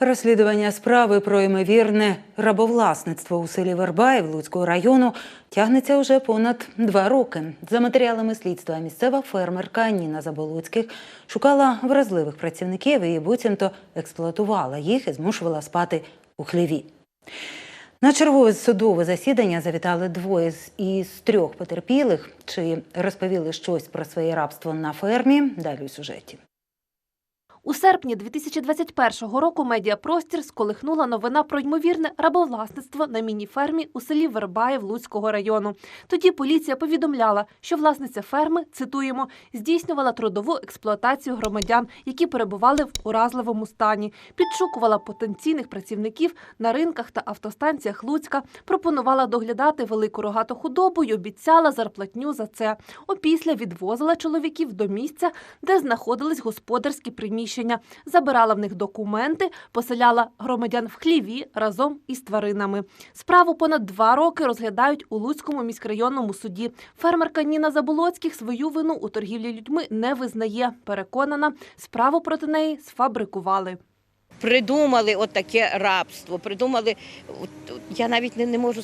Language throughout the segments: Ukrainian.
Розслідування справи про ймовірне рабовласництво у селі Вербаїв Луцького району тягнеться уже понад 2 роки. За матеріалами слідства, місцева фермерка Ніна Заболоцьких шукала вразливих працівників і буцімто експлуатувала їх і змушувала спати у хліві. На чергове судове засідання завітали 2 із 3 потерпілих. Чи розповіли щось про своє рабство на фермі? Далі у сюжеті. У серпні 2021 року медіапростір сколихнула новина про ймовірне рабовласництво на міні-фермі у селі Вербаїв Луцького району. Тоді поліція повідомляла, що власниця ферми, цитуємо, здійснювала трудову експлуатацію громадян, які перебували в уразливому стані, підшукувала потенційних працівників на ринках та автостанціях Луцька, пропонувала доглядати велику рогату худобу й обіцяла зарплатню за це. Опісля відвозила чоловіків до місця, де знаходились господарські приміщення, забирала в них документи, поселяла громадян в хліві разом із тваринами. Справу понад 2 роки розглядають у Луцькому міськрайонному суді. Фермерка Ніна Заболоцьких свою вину у торгівлі людьми не визнає. Переконана, справу проти неї сфабрикували. Придумали отаке рабство, придумали, я навіть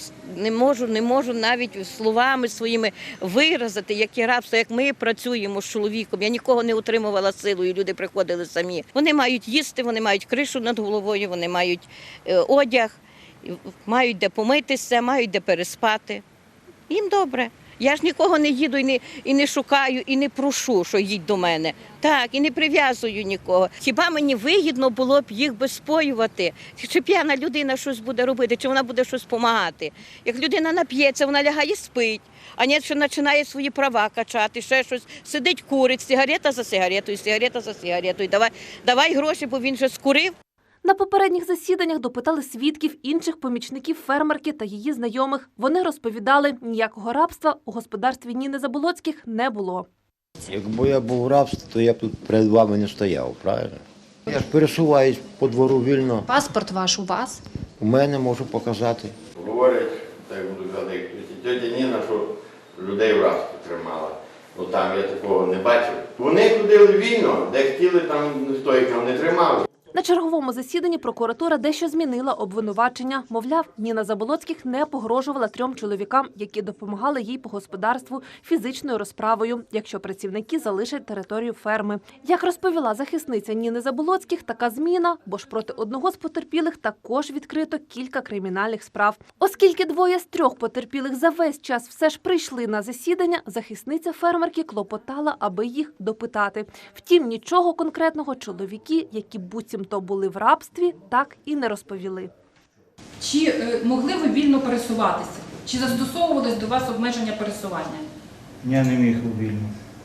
не можу навіть словами своїми виразити, яке рабство, як ми працюємо з чоловіком. Я нікого не утримувала силою, люди приходили самі. Вони мають їсти, вони мають кришу над головою, вони мають одяг, мають де помитися, мають де переспати. Їм добре. Я ж нікого не їду і не шукаю, і не прошу, що їдь до мене. Так, і не прив'язую нікого. Хіба мені вигідно було б їх безпоювати? Чи п'яна людина щось буде робити, чи вона буде щось допомагати? Як людина нап'ється, вона лягає спить, а ні, що починає свої права качати, ще щось, сидить, курить, сигарета за сигаретою, сигарета за сигаретою. Давай гроші, бо він же скурив. На попередніх засіданнях допитали свідків, інших помічників фермерки та її знайомих. Вони розповідали, ніякого рабства у господарстві Ніни Заболоцьких не було. Якби я був в рабстві, то я б тут перед вами не стояв, правильно? Я ж пересуваюсь по двору вільно. Паспорт ваш у вас? У мене можу показати. Говорять, так буду казати, тетя Ніна, що людей в рабстві тримала. Ну там я такого не бачив. Вони ходили вільно, де хотіли, там стойкам не тримали. На черговому засіданні прокуратура дещо змінила обвинувачення. Мовляв, Ніна Заболоцьких не погрожувала 3 чоловікам, які допомагали їй по господарству фізичною розправою, якщо працівники залишать територію ферми. Як розповіла захисниця Ніни Заболоцьких, така зміна, бо ж проти одного з потерпілих також відкрито кілька кримінальних справ. Оскільки 2 з 3 потерпілих за весь час все ж прийшли на засідання, захисниця фермерки клопотала, аби їх допитати. Втім, нічого конкретного чоловіки, які буцімто були в рабстві, так і не розповіли. Чи могли ви вільно пересуватися? Чи застосовувалось до вас обмеження пересування? Я не міг вільно.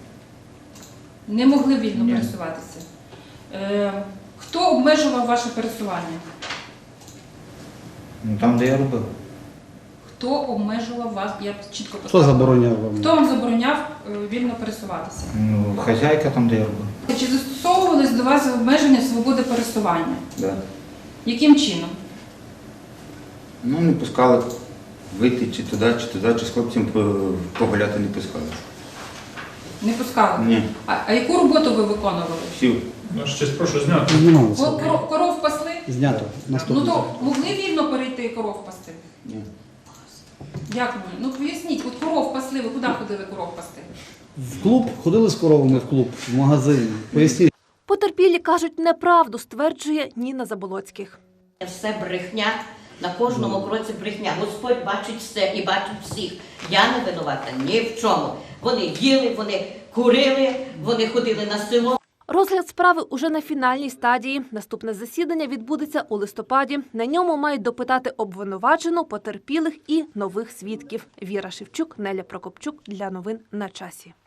Не могли вільно пересуватися. Хто обмежував ваше пересування? Ну, там, де я робив. Хто обмежував вас? Я чітко Хто поставила. забороняв вам? Хто вам забороняв вільно пересуватися? Ну, хазяйка там, де я робив. Чи застосовувалось до вас обмеження свободи пересування? Да. Яким чином? Ну, не пускали вийти чи туди, чи з хлопцем погуляти не пускали. Не пускали? Ні. А яку роботу ви виконували? Всю. Ну, щось прошу зняти. Знімалося. Коров пасли? Знято. Ну то могли вільно перейти коров пасти? Ні. Як ні? Ну поясніть, от коров пасли, ви куди ходили коров пасти? В клуб? Ходили з коровами в клуб, в магазин. Поясніть. Потерпілі кажуть неправду, стверджує Ніна Заболоцьких. Все брехня, на кожному кроці брехня. Господь бачить все і бачить всіх. Я не винувата ні в чому. Вони їли, вони курили, вони ходили на село. Розгляд справи уже на фінальній стадії. Наступне засідання відбудеться у листопаді. На ньому мають допитати обвинувачену, потерпілих і нових свідків. Віра Шевчук, Неля Прокопчук. Для новин на часі.